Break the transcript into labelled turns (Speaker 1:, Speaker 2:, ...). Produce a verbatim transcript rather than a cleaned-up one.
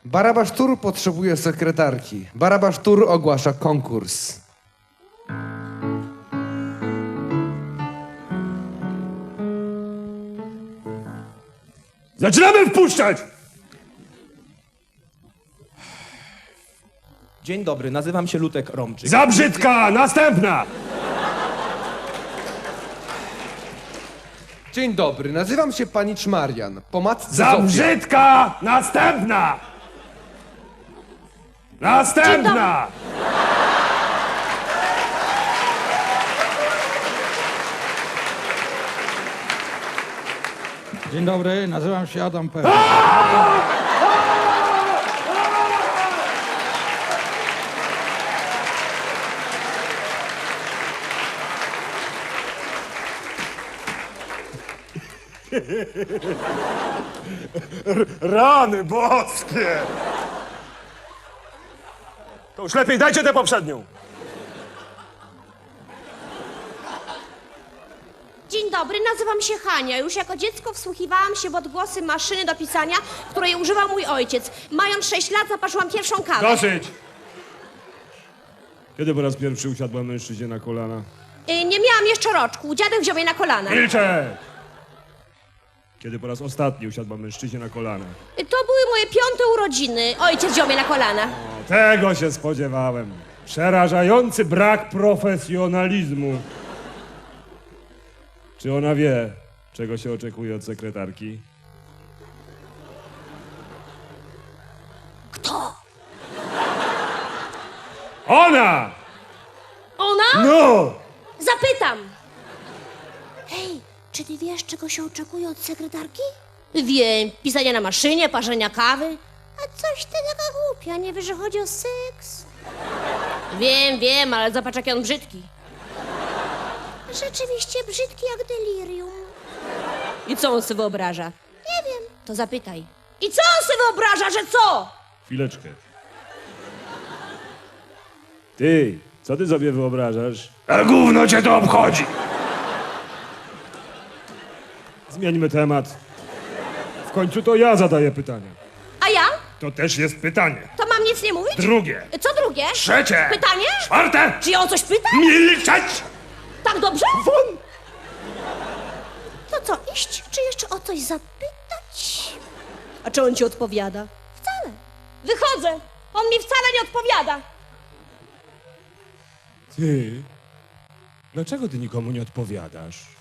Speaker 1: Barabasz Tur potrzebuje sekretarki. Barabasz Tur ogłasza konkurs.
Speaker 2: Zaczynamy wpuszczać!
Speaker 3: Dzień dobry, nazywam się Lutek Romczyk.
Speaker 2: Za brzydka! Następna!
Speaker 1: Dzień dobry, nazywam się panicz Marian. Po matce
Speaker 2: Za
Speaker 1: Zofia.
Speaker 2: brzydka! Następna! Następna!
Speaker 4: Dzień dobry, nazywam się Adam P.
Speaker 2: Rany boskie! To już lepiej dajcie tę poprzednią.
Speaker 5: Dzień dobry, nazywam się Hania. Już jako dziecko wsłuchiwałam się w odgłosy maszyny do pisania, której używał mój ojciec. Mając sześć lat zaparzyłam pierwszą kawę.
Speaker 2: Dosyć! Kiedy po raz pierwszy usiadła mężczyźnie na kolana?
Speaker 5: Y, nie miałam jeszcze roczku. Dziadek wziął mnie na kolana.
Speaker 2: Milczę! Kiedy po raz ostatni usiadła mężczyźnie na kolana?
Speaker 5: Y, to były moje piąte urodziny. Ojciec wziął mnie na kolana.
Speaker 2: O, tego się spodziewałem. Przerażający brak profesjonalizmu. Czy ona wie, czego się oczekuje od sekretarki?
Speaker 5: Kto?
Speaker 2: Ona!
Speaker 5: Ona?
Speaker 2: No!
Speaker 5: Zapytam. Hej, czy ty wiesz, czego się oczekuje od sekretarki? Wiem, pisania na maszynie, parzenia kawy. A coś ty taka głupia, nie wiesz, że chodzi o seks? Wiem, wiem, ale zobacz, jaki on brzydki. Rzeczywiście brzydki jak delirium. I co on sobie wyobraża? Nie wiem. To zapytaj. I co on sobie wyobraża, że co?
Speaker 2: Chwileczkę. Ty, co ty sobie wyobrażasz? A gówno cię to obchodzi! Zmieńmy temat. W końcu to ja zadaję pytania.
Speaker 5: A ja?
Speaker 2: To też jest pytanie.
Speaker 5: To mam nic nie mówić?
Speaker 2: Drugie.
Speaker 5: Co drugie?
Speaker 2: Trzecie.
Speaker 5: Pytanie?
Speaker 2: Czwarte.
Speaker 5: Czy ja o coś pytam?
Speaker 2: Milczeć!
Speaker 5: Tak dobrze?
Speaker 2: Won!
Speaker 5: To co, iść, czy jeszcze o coś zapytać? A czy on ci odpowiada? Wcale. Wychodzę. On mi wcale nie odpowiada.
Speaker 2: Ty, dlaczego ty nikomu nie odpowiadasz?